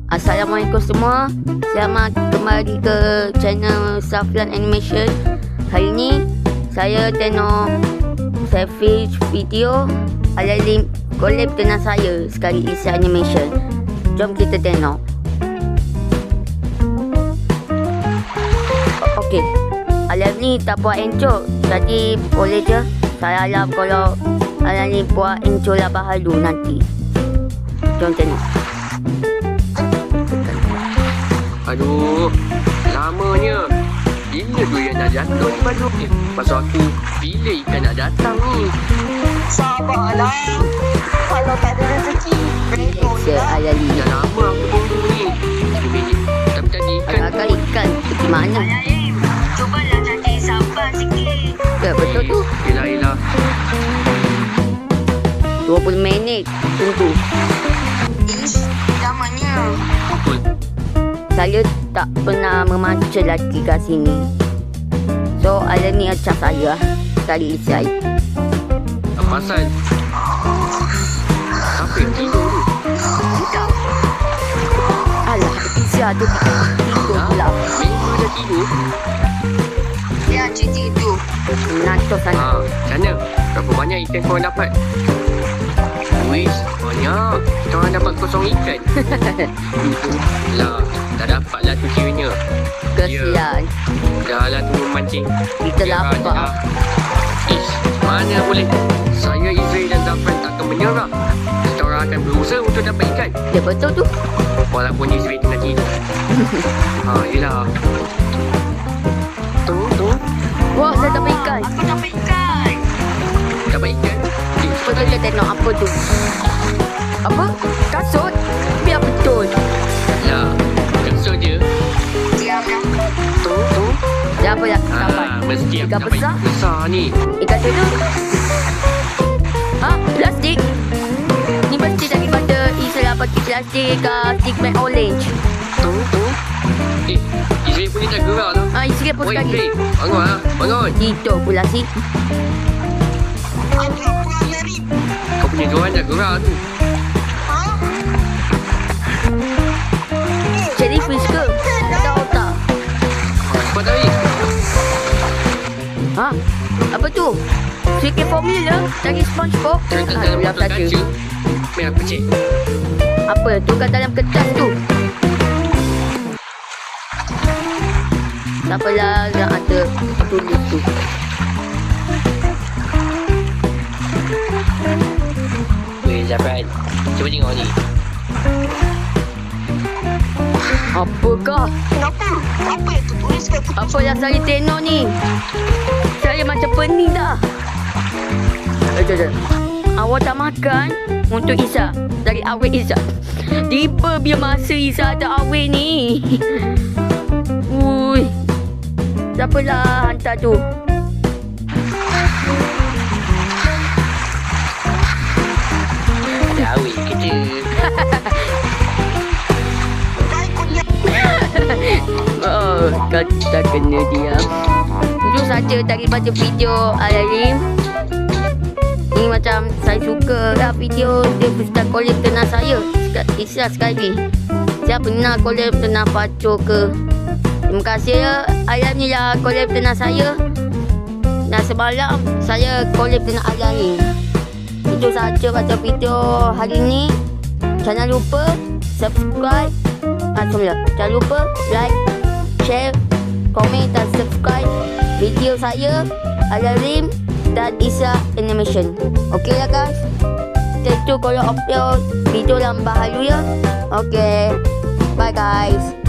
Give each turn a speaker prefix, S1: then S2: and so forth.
S1: Assalamualaikum semua. Selamat kembali ke channel Saflan Animation. Hari ni saya tengok savage video ada link collab dengan saya sekali isi animation. Jom kita tengok. Okey. Alam ni tak buat intro, jadi boleh je saya harap kalau Alam ni buat intro lah bahalu nanti. Jom tengok.
S2: Aduh, lamanya. Bila tu yang nak jatuh ni Badu? Pasal aku bila ikan nak datang ni?
S3: Sabarlah. Kalau tak ada rezeki, redor
S1: Saya Alam ni.
S2: Dah lama aku tunggu ni. Tapi tadi ikan
S1: Agak-agak ikan pergi mana?
S3: Alim, cubalah jadi sabar sikit.
S1: Ya betul tu.
S2: Yelah
S1: 20 minit tunggu.
S3: Ish, namanya.
S2: Betul.
S1: Saya tak pernah memancing lagi kat sini. So Alam ni acak saya sekali isi air.
S2: Apa pasal? Siapa yang tidur tu?
S3: Tidak.
S1: Alah, Isya tu tidur pula.
S2: Memang dah tidur?
S3: Dia cuti itu.
S1: Menantuk sana.
S2: Macam mana? Berapa banyak ikan korang dapat? Wis, banyak. Kita orang dapat kosong ikan. Lah, tak dapat lah tu kiranya.
S1: Kesian.
S2: Dah lah tu memancing.
S1: Kita
S2: Biar
S1: lapar.
S2: dah. Ish, mana boleh. Saya, Izrael dan Zafran takkan menyerah. Kita orang akan berusaha untuk dapat ikan.
S1: Ya betul tu.
S2: Walaupun Izrael tengah tidur. Yelah. Tu.
S1: Wah, saya dapat ikan.
S3: Aku dapat ikan.
S2: Dapat ikan.
S1: Betul kita tengok apa tu. Apa? Kasut? Biar betul.
S2: Lah, kasut je.
S3: Diamlah.
S2: Tu.
S1: Dah apa dah dapat?
S2: Mesti aku
S1: Ikan
S2: dapat
S1: besar?
S2: ikan besar ni.
S1: Ikan tu tu. Ha? Plastik? Ni mesti daripada Isra pakai plastik stickman orange.
S2: Tu. Izrael pun ni tak gerak lah.
S1: Isra pun
S2: Oi,
S1: sekali.
S2: Izrael. Bangun lah. Bangun.
S1: Tidur pula si.
S3: Ada pulang dari.
S2: Kau punya joran tak gerak tu.
S3: Ha?
S1: Jellyfish ke? Ada otak.
S2: Cepat tarik.
S1: Ha? Apa tu? Sikit formula dari SpongeBob.
S2: Terletak dalam
S1: Alhamdulillah
S2: botol
S1: saja.
S2: kaca. Mari aku cek.
S1: Apa tu kat dalam kertas tu? Tak apalah yang ada tulis tu.
S2: Weh, Zafran. Cuba tengok ni.
S1: Apakah?
S3: Kenapa? Apa yang tertuliskan?
S1: Apa yang saya tengok ni? Saya macam pening dah. Jom. Awak tak makan untuk Isa. Dari awet Isa. Tiba biar masa Isa ada awet ni. Ui. Siapalah hantar tu?
S2: Ada awet kita.
S1: Oh, kata kena diam. Itu saja daripada video Alim. Ni macam saya suka lah video dia start collab dengan saya. Isya sekali. Saya pernah collab dengan Paco ke. Terima kasih ya Alam ni lah collab dengan saya. Dan semalam saya collab dengan Alam ni. Itu saja pada video hari ni. Jangan lupa subscribe. Jangan lupa like, share, komen dan subscribe video saya Alim dan Isra Animation. Okey lah guys. Stay tune kalau upload video yang baharu ya. Okey. Bye guys.